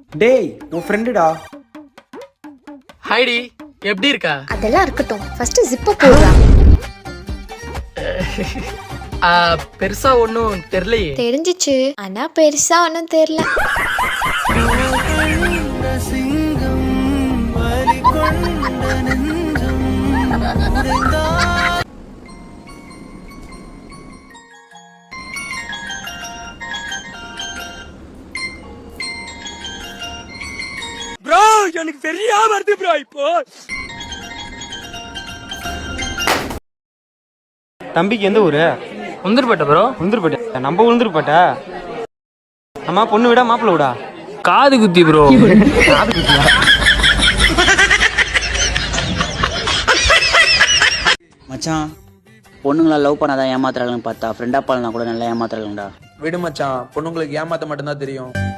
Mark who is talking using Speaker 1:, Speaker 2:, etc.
Speaker 1: டேய் உன் ஃப்ரெண்டுடா.
Speaker 2: ஹைடி, எப்படி இருக்கா?
Speaker 3: அதெல்லாம் இருக்கட்டும், ஃபர்ஸ்ட் ஜிப்ப போடுடா.
Speaker 2: பெருசா ஒன்னும் தெரியலையே.
Speaker 3: தெரிஞ்சிச்சு, ஆனா பெருசா ஒன்னும் தெரியல.
Speaker 2: ப்ரோ எனக்கு சரியா வருது ப்ரோ. இப்போ
Speaker 1: தம்பிக்கு எந்த ஊரு?
Speaker 2: உந்திருப்பட்ட ப்ரோ.
Speaker 1: உளுந்தூர்பேட்டை. நம்ம உளுந்தூர்பேட்டை. அம்மா பொண்ணு விடா மாப்பிள்ள விடா?
Speaker 2: காது குத்தி ப்ரோ.
Speaker 4: மச்சான், பொண்ணுங்களா லவ் பண்ணாதான் ஏமாத்துறாங்கன்னு பார்த்தா ஃப்ரெண்டா பாலனா கூட நல்லா ஏமாத்துறாங்கடா.
Speaker 5: விடு மச்சான், பொண்ணுங்களுக்கு ஏமாத்த மட்டும்தான் தெரியும்.